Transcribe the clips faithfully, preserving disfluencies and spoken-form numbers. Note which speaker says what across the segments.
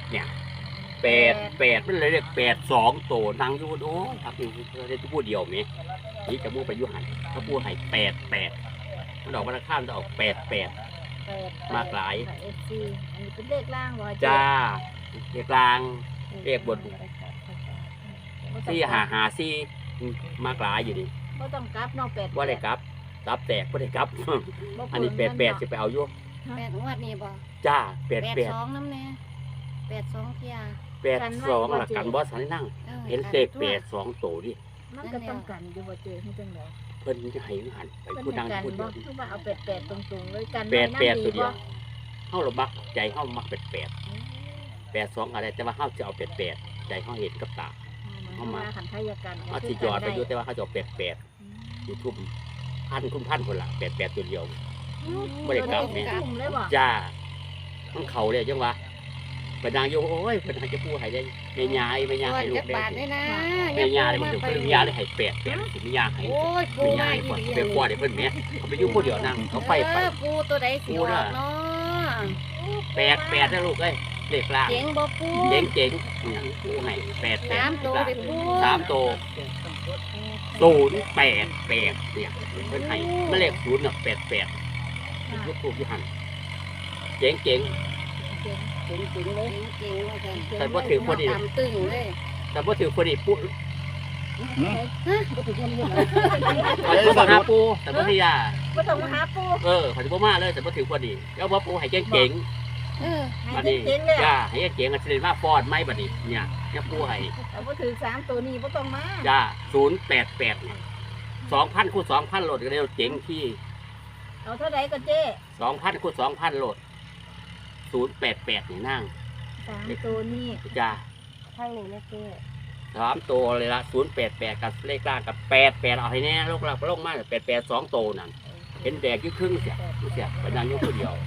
Speaker 1: เนี่ยแปดแปดมันเลยเรียกแปดสองโตนั่งอยู่โอ้ครับนี่เรียกพูดเดียวมั้ยนี่จะพูดไปยุหันเขาพูดให้แปดแปดมันออกมาข้ามจะออกแปดแปดมากหลาย
Speaker 2: เอฟซีอันนี้เป็นเลขล่างวะ
Speaker 1: จ้าเลขกลางเลขบนสี่หาหาสี่มากหลายอยู่ดิ
Speaker 2: บ่ต้องกลับเนาะแปด
Speaker 1: ว่าได้กลับกลับแตกว่าได้กลับ อันนี้แปดแปดจะไปเอาอยู่
Speaker 3: แปดงวดนี่บ่
Speaker 1: จ้าแปด
Speaker 3: แปด
Speaker 1: แปด
Speaker 3: สองน้ำแน่แปดสองเที่ย
Speaker 1: แปดสองหลักกันบอสสันนั่ง
Speaker 3: ออ
Speaker 1: เห็นเลขแปดสองโตดิ
Speaker 2: มันก็ต้องกันอยู่บ่เจอให้จังได๋
Speaker 1: เพิ่นจะให้หันไป
Speaker 2: เพิ่น
Speaker 1: ผู้ดัง
Speaker 2: กัน
Speaker 1: ผู้เดี
Speaker 2: บ่
Speaker 1: ยว
Speaker 2: คือว่าเอาแปดแปดตรงๆเลยกัน
Speaker 1: แปดแปด
Speaker 2: ไน้ำ
Speaker 1: ตัวเดียว
Speaker 2: บ่
Speaker 1: เฮาเรามักใจเฮามักแปดแปดแปดสองอะไรแต่ว่าเฮาจะเอาแปดแปดใจเฮาเห็นกับตา
Speaker 2: เข้ามาขันทายกัน
Speaker 1: เฮาสิยอดไปอยู่แต่ว่าเฮาจะเอาแปดแปดยูทูบพันคุณพันคนละแปดแปดตัวเดียว บ่ได้กลับแม่
Speaker 2: ทุ่มเลยบ่
Speaker 1: จ้ามันเขาเลยจังวะเพิ่นนางอยู่โอ้ยเพิ่นให้จะพูดให้ได้แม่ยายแม่ยาย
Speaker 3: ก่อน
Speaker 1: ให้ลู
Speaker 3: จะ
Speaker 1: กได้
Speaker 3: บาทเลยนะ
Speaker 1: แม่ยายมันถึงเพิ่นแม่ยายเลยให้แปดแปดสิแม่ยายให้
Speaker 3: โอ้ยปู
Speaker 1: แม่
Speaker 3: มาย
Speaker 1: าย
Speaker 3: ดี
Speaker 1: ก่อน
Speaker 3: ดี
Speaker 1: ไปกวาดให้เพิ่นแม่เขาไปอยู่ผู้เดียวนั่งเขาไปไป
Speaker 3: เออปูตัวใดสิออกเนาะ
Speaker 1: แปดแปดนะลูกเอ้ยเลขล่าง
Speaker 3: เจ๋งบ่ปู
Speaker 1: เจ๋งเจ๋งเนี่ยผู้ให้แปดแปด
Speaker 3: สามตัวเด็ปู
Speaker 1: สามตัวศูนย์แปดแปดเนี่ยเพิ่นให้มันเลขศูนย์น่ะแปดแปดลูกทูบอยู่หันเจ๋งเจ๋ง
Speaker 3: เจ๋งจริงเลยเจ๋งว่าจัง
Speaker 1: แต่บ่ถือพอดี
Speaker 3: ตามตึงเลย
Speaker 1: แต่บ่ถือพอดีปุ๊
Speaker 3: ฮะบ่ถือคนเดียว
Speaker 1: ขอจะบ่หาปูแต่บ่ที่ยา
Speaker 2: บ่ต้องมาหาปู
Speaker 1: เออขอจะบ่มาเลยแต่บ่ถือพอดีแล้วบ่ปูให้เจ๋งเจ๋ง
Speaker 3: เออ
Speaker 2: ให้
Speaker 1: บัดนี้
Speaker 2: เจ๋งๆเลย
Speaker 1: จ้าให้เจ๋งๆก็สิได้มาฟ้อนไหมบัดนี้เนี่ยเนี่ยปูให้
Speaker 2: แต่บ่ถือสามตัวนี้บ่ต้องมา
Speaker 1: จ้าศูนย์แปดแปดสองพันคูณสองพันโหลดก็ได้เจ๋งที่
Speaker 2: เอาเท่าใดก็เจ้
Speaker 1: สองพันคูณสองพันโหลดศูนย์แปดแปดนี่นั่ง
Speaker 2: สามตัวนี้
Speaker 1: จ้า
Speaker 3: ทางนี้นะเจ้
Speaker 1: สามตัวเลยละศูนย์แปดแปดกับเลขล่างกับแปดแปดเอาให้แน่ลูกเราลงมาแปดแปดสองตัวนั่นเห็นแดกยี่ครึ่งเสียเสียเป็นนางยกตัวเดียว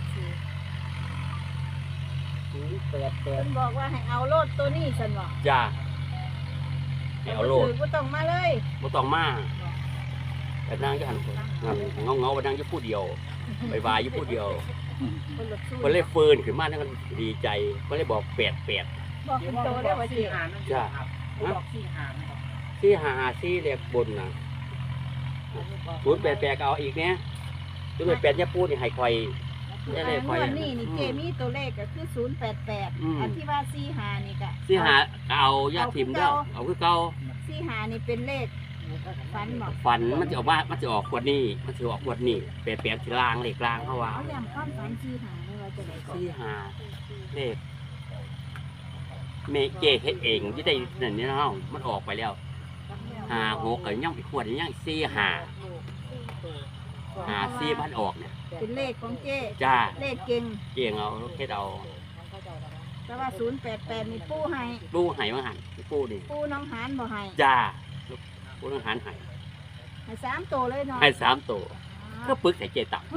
Speaker 2: แปดแปดบอกว่าให้เอาโลดตัวนี้ซั่นบ่
Speaker 1: จ้าให้เอาโลด
Speaker 2: บ่ต้องมาเลย
Speaker 1: บ่ต้องมาแต่นางจะหันเงาเงาๆไปนางยี่ผู้เดียวไปวายยี่ผู้เดียว
Speaker 2: คนละสู้
Speaker 1: มันเลยฟืนขึ้นมานั่นก็ดีใจมันเลยบอกแปดแปด
Speaker 2: บอกเป็นโตได้ว่าเจ้
Speaker 1: จ้าที่หาที่เรียกบนนะศูนย์แปดแปดเอาอีกเนี้ยศูนย์แปดแปดเนี่ยพูดนี่ให้คอยนี่เลยคอย
Speaker 2: งวดนี้นี่เจมีตัวเลขก็คือศูนย์แปดแปด
Speaker 1: อืม
Speaker 2: อันที่ว่าสี่หานี่ก็
Speaker 1: ที่หาเอาญาติทิมเด้อเอาคือเก่า
Speaker 2: สี่หานี่เป็นเลขฝันบอก
Speaker 1: ฝันมันจะออกว่ามันจะออกขวดนี้มันจะออกขวดนี้แปดแปดที่ล่างเลขล่างเขาว่า
Speaker 2: เอาอย่างความฝันสี่หาไม่ว่าจะไหนก่อน
Speaker 1: ที่หาเลขเมเจเฮ็ดเองที่ได้นั่นนี่เนาะมันออกไปแล้วหาหกกับย่างอีกขวดย่างสี่หาหาสี่พันออกเนี่ย
Speaker 2: เป็นเลขของเจ
Speaker 1: จ้า
Speaker 2: เลขเก่ง
Speaker 1: เกี่ยงเอาเฮ็ดเอา
Speaker 2: แต่ว่าศูนย์แปดแปดนี่ปู้ให้
Speaker 1: ปูไห้มาหันปูนี่
Speaker 2: ปู้น้องหานบ่ให้
Speaker 1: จ้าปูต้องหันไห้
Speaker 2: ให้สามตัวเลยเนาะ
Speaker 1: ให้สามตัวก็ปึกใส่เจตับ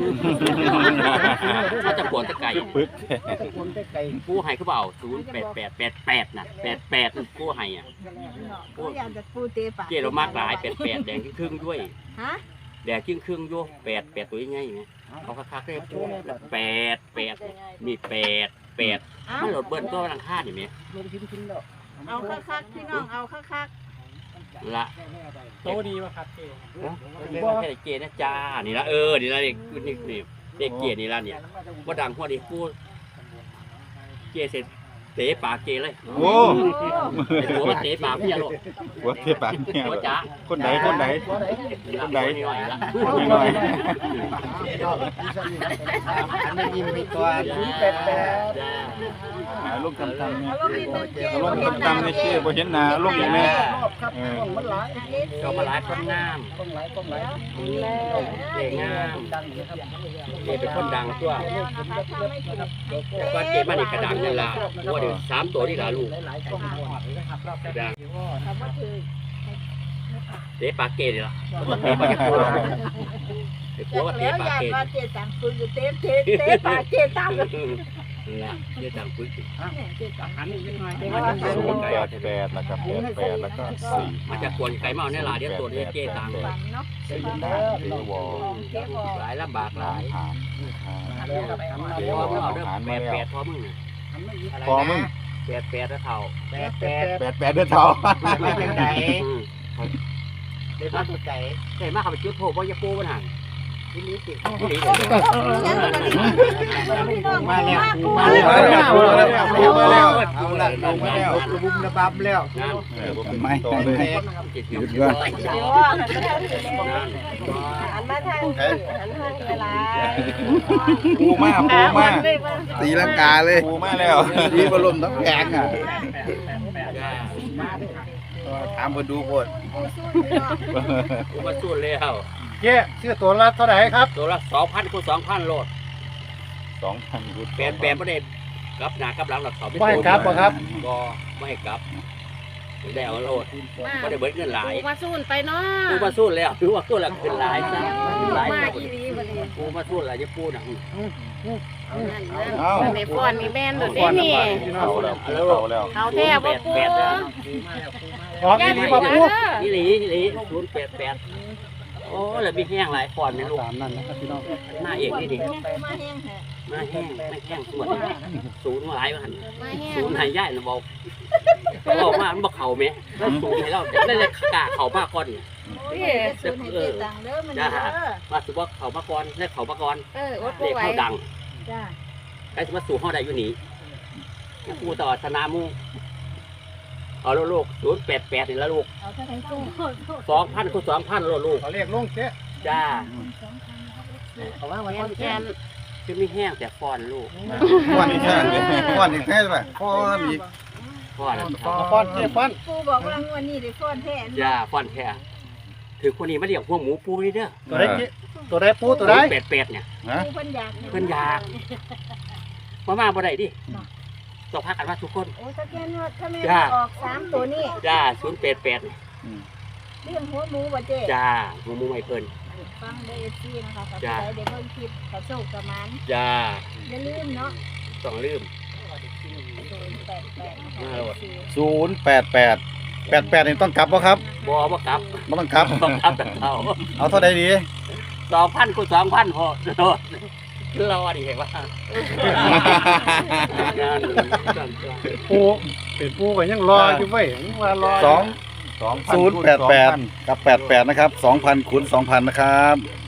Speaker 1: เขาจะปวดตะไก่
Speaker 4: ปึ๊ก
Speaker 1: ปูไห้เขาเบาศูนย์แปดแปดแปดแปดน่ะแปดแปดปูไห้อ่ะ
Speaker 2: ปูอยากจะปูเตะปาก
Speaker 1: เจเรามากหลายแปดแปดแดงครึ่งด้วย
Speaker 2: ฮะ
Speaker 1: แดงครึ่งครึ่งด้วยแปดแปดตัวยังไงเนี่ยเขาคักๆเลยปูแปดแปดมีแปดแปด
Speaker 2: เอา
Speaker 1: มันหลดเบิ้ลตัวรังค่านี่ไหม
Speaker 2: เอาคักๆพี่น้องเอาคัก
Speaker 1: ละ
Speaker 5: โตดีป่ะครับเจ
Speaker 1: เรียกว่าแค่เจนะจ้านี่ละเออนี่ละเด็กนี่นี่เด็กเจนี่ละเนี่ยว่าดังพวกนี้พูดเจเสร็จเตะปากเจเลย
Speaker 4: โอ้
Speaker 1: ไอ้หัวมันเตะปากพี่อะลูก
Speaker 4: หัวเทปากเนี่ย
Speaker 1: หัวจ๋า
Speaker 4: คนไหนคนไหน คนไหน
Speaker 1: หน่อยละ
Speaker 4: คนหน่อย
Speaker 5: อันนี้ยิ้มไปตัว
Speaker 1: แปดแปดจ้า
Speaker 4: หาลูกตำตำ
Speaker 2: ๆ
Speaker 4: เนี่ย
Speaker 2: เอาลงนิดนึงเจ
Speaker 4: ลูกตำตำเนี่ยชื่อบ่เห็นหน้าลูกอย่างนี้เออ
Speaker 1: ก็มาหลายคนงาม
Speaker 5: ต้องไหลต้องไหล
Speaker 1: เจงาม
Speaker 5: ดังอยู่ครับ
Speaker 1: เจเป็นคนดังตัวแต่ว่าเจมานี่กระดังนี่ละว่าเดี๋ยวสามตัวนี่ละลูก
Speaker 5: หลายๆต้องหมดเลยนะครับรอบ
Speaker 1: กระดัง
Speaker 2: คำว่าคือ
Speaker 1: เตะปากเกนี่ละเตะปากเกไอ้หัวว่าเตะ
Speaker 2: แล้ว
Speaker 1: ปาก
Speaker 2: อยาก
Speaker 1: เก
Speaker 2: ว่าเจตังปืนอยู่เตะเตะเตะปากเจตัง
Speaker 1: ละเจตังปึ๊ก
Speaker 2: เจตัง
Speaker 5: อันนี้นิดหน่อย
Speaker 4: ศูนย์แปดแปดแล้วก็แปดแปดแล้วก็สี่
Speaker 1: มาจากกวนไก่เมาเนี่ยล่ะเดี๋ยวตัวนี้เจตัง
Speaker 2: ฝันเนาะ
Speaker 4: สี่หน้าสี่วอ
Speaker 2: เจ๊บอก
Speaker 1: หลายลำบากห
Speaker 4: น้อ
Speaker 1: ลาง ย
Speaker 4: หาน
Speaker 1: พอมึงเอาเด้อแปดแปดพอมึงน่ะ
Speaker 5: ห
Speaker 4: พอมึง
Speaker 1: แปดแปดแล้วเท่า
Speaker 5: แปดแปด
Speaker 4: แปดแปดเด้อเท่า
Speaker 5: มาจากไหน
Speaker 1: อืม
Speaker 5: เดี๋ยวมาจากไหน
Speaker 1: ใช่มากเขาไปจุดโทษว่าอย่าปูปัญหา
Speaker 5: ที่นี้สิ
Speaker 1: ที่นี่
Speaker 5: มาแล้ว
Speaker 2: มา
Speaker 5: มา
Speaker 2: แล้
Speaker 5: แล้ว ว
Speaker 4: มาแล้วมาแล้ว
Speaker 5: เอาละลงมาแล้วระบุมระบับแล้ว
Speaker 1: นั่น
Speaker 4: เออผมไม่ต่อเลย
Speaker 1: จิต
Speaker 4: หยุ
Speaker 1: ยุ
Speaker 4: ด
Speaker 1: ด
Speaker 4: ก่อน
Speaker 2: เดี๋ยวหันมาทางนี้
Speaker 1: นั่น
Speaker 2: หันมาทางนี้หันทางเวลา
Speaker 4: ปูมาปูมา
Speaker 6: ตีลังกาเลย
Speaker 4: ปูมาแล้ว
Speaker 6: ดีบรมทั้งแผงอ่ะ
Speaker 1: จ้า
Speaker 6: ถามมาดูโพด
Speaker 1: กูมาสู้แล้ว
Speaker 5: เจ๊ซื้อตัวละเท่าไหร่ครับ
Speaker 1: ตัวละสองพันคูณสองพันโลด
Speaker 4: สองพันกุด
Speaker 1: แปดแปดประเด็นกลับหน้ากลับหลังหลักสอง
Speaker 5: ไม่ครับบ่ครับ
Speaker 1: ก็ไม่ให้กลับได้เอาโลดไม่ได้เบิดเงินหลาย
Speaker 3: มาสู้ไปเนาะ
Speaker 1: กูมาสู้แล้วถือว่าสู้แล้วขึ้นหลายซะหลาย
Speaker 3: มา
Speaker 1: กู
Speaker 3: อีรีบัดนี้
Speaker 1: กูมาสู้หลายจะปูนะ
Speaker 3: นั่นนั่นในฟอนมีแม่นโดดเด้นี่
Speaker 4: เอาแล้วเอาแล้ว
Speaker 3: เขาแท้บ่ปู
Speaker 5: ออกที่นี้มาพูด
Speaker 1: นี่หลีนี่หลีศูนย์แปดแปดโอ้แล้วมีแห้งหลายฟอนเนี่ยลูก
Speaker 5: ตามนั่นนะครับพี่น้อง
Speaker 1: มาเอกนี่ดิ
Speaker 2: มาแห้งแท้
Speaker 1: มาแห้งไม่แห้งส่วนศูนย์หลายมัน
Speaker 3: มาแห้ง
Speaker 1: ศูนย์หายย่ายนะบอกบอกว่ามันบอกเข่าไหมแล้วศูนย์ให้เราได้เลยกาเข่ามากก่อนเนี่ย
Speaker 3: นี่
Speaker 2: สูตรให้เจ๊ตังเด้อมันเด้อ
Speaker 1: มาสุบอกเข่ามาก่อนได้เข่ามาก่อน
Speaker 3: เอออด
Speaker 1: เด็ก
Speaker 3: บ่ไหว
Speaker 1: เขาดัง
Speaker 2: จ้า
Speaker 1: ใครจะมาสู่ห้องใดอยู่หนีกูต่อชนะมูเอาแล้วลูกศูนย์แปดแปดนี่แล้วลูก
Speaker 2: เอาเท่าไหร่ตู้
Speaker 1: สองพันคูณสองพันลูก
Speaker 5: เขาเรียกลงเจ๊
Speaker 1: จ้า
Speaker 5: เอาว่า
Speaker 3: แก
Speaker 5: วัน
Speaker 3: นแกน
Speaker 1: คือไม่แห้งแต่ฟอนลูก
Speaker 6: ก้อนอีกแค่ก้อนอีกแค่ไหมก้อนอีก
Speaker 1: ฟอน
Speaker 5: เอาฟอนเจ๊ฟอน
Speaker 2: ปูบอกว่างวดนี้ได้ฟ้อนแท้
Speaker 1: จ้าฟอนแค่ถือคนนี้มาเรียกพวกหมูปูนี่เด้อ
Speaker 5: ตัวได้เจ๊ตัวได้ปูตัวได้
Speaker 1: แปดแปดเนี่ย
Speaker 6: ฮะ
Speaker 2: ปูเพิ่นอยาก
Speaker 1: เพิ่นอยากมามาบ่ได้ดิต้องพักกันมาทุกคน
Speaker 2: โอ้ถ้าแกนว่าถ้าแม่
Speaker 1: จ้า
Speaker 2: ออกสามตัวนี้
Speaker 1: จ้าศูนย์แปดแปด
Speaker 2: เรื่องหัวหมูบ่เจ๊
Speaker 1: จ้าหมูหมูไม่เพิ่น
Speaker 2: ฟังได้เอฟซีนะคะกับ
Speaker 1: จ้า
Speaker 2: ใจเดี๋ยวเบิ่งคลิปกับโชคกับมัน
Speaker 1: จ้า
Speaker 2: อย่าลืมเนาะ
Speaker 1: ต้องลืม
Speaker 2: ศูนย์แปดแปดนะคะ
Speaker 1: มาโหลด
Speaker 6: ศูนย์แปดแปดแปดแปดนี่ต้องกลับป่ะครับ
Speaker 1: บ่บ่กลับ
Speaker 6: ไม่ต้องกลับ
Speaker 1: บ่กลับแต่เขา
Speaker 6: เอาเท่าใดดี
Speaker 1: สองพันคูณสองพันพอโดดรอดิเห็นว่า
Speaker 5: ปูเป็นปูก็ยังรออยู่เว้ยยังว่ารอ
Speaker 6: สอง
Speaker 4: สองพัน
Speaker 6: ศูนย์แปดแปดกับแปดแปดนะครับสองพันคูณสองพันนะครับ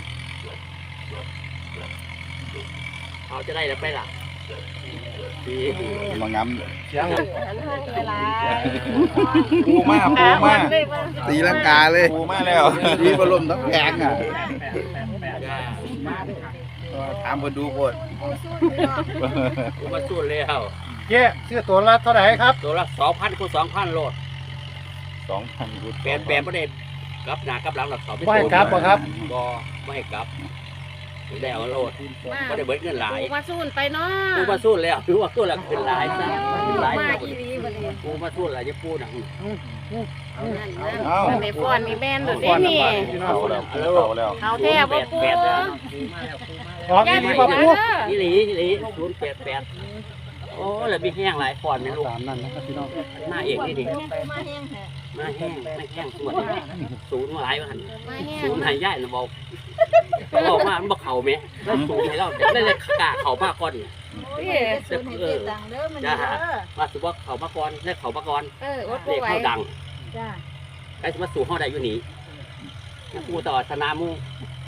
Speaker 1: เขาจะได้แล้วไปล่ะดี
Speaker 6: มาง
Speaker 5: เสียง
Speaker 3: หันทางเวลา
Speaker 4: ปูมาปูมา
Speaker 6: ำตีลังกาเลย
Speaker 4: ปูมาแล้ว
Speaker 6: ดีบรมทั้งแผงอ่ะ
Speaker 1: จ้า
Speaker 6: ถามมาดูโพด
Speaker 2: ปูสู้อยู่เนาะ
Speaker 1: กูมาสู้แล้ว
Speaker 5: เจ๊ซื้อตัวละเท่าไหร่ครับ
Speaker 1: ตัวละสองพันคูณสองพันโลด
Speaker 4: สองพันกุด
Speaker 1: แปดแปดประเด็นกลับหน้ากลับหลังหลักสอง
Speaker 5: ไม่ให้กลับบ่ครับ
Speaker 1: บ่ไม่ให้กลับได้เอาโลดไม่ได้เบิดเงินหลาย
Speaker 3: มาสู้ไปเนาะ
Speaker 1: กูมาสู้แล้วถือว่าสู้แล้วขึ้นหลายซะหลาย
Speaker 3: มา
Speaker 1: ซะ
Speaker 3: อีรีบัดนี้
Speaker 1: กูมาสู้แล้วจะปูนะ
Speaker 3: นั่นนั่นในฟอนมีแม่นโดดเด้นี่
Speaker 4: เอาแล้วเอาแล้ว
Speaker 3: เขาแท้บ่ปู
Speaker 1: แปดแปด
Speaker 5: ออกที่นี้มาพูด
Speaker 1: นี่หลีนี่หลีศูนย์แปดแปดโอ้แล้วมีแห้งหลายฟอนเนี่ยลูก
Speaker 5: ตามนั่นนะครับพี่น้อง
Speaker 1: มาเอกนี่ดิ
Speaker 2: ปูมาแห้งแท้
Speaker 1: มาแห้งไม่แห้งส่วนศูนย์หลายมัน
Speaker 3: มาแห้ง
Speaker 1: ศูนย์หายย่ายนะบอกบอกว่ามันบอกเข่าไหมแล้วศูนย์ให้เราได้เลยกาเข่ามากก่อน
Speaker 3: นี่
Speaker 2: สูตรให้เจ๊ตังเด้อมันเด้อ
Speaker 1: มาสุบอกเข่ามาก่อนได้เข่ามาก่อน
Speaker 3: เอออดบ่
Speaker 1: เด็ก
Speaker 3: ไหว
Speaker 1: เขาดัง
Speaker 2: จ้า
Speaker 1: ใครจะมาสู่ห้องใดอยู่หนีกูต่อชนะมู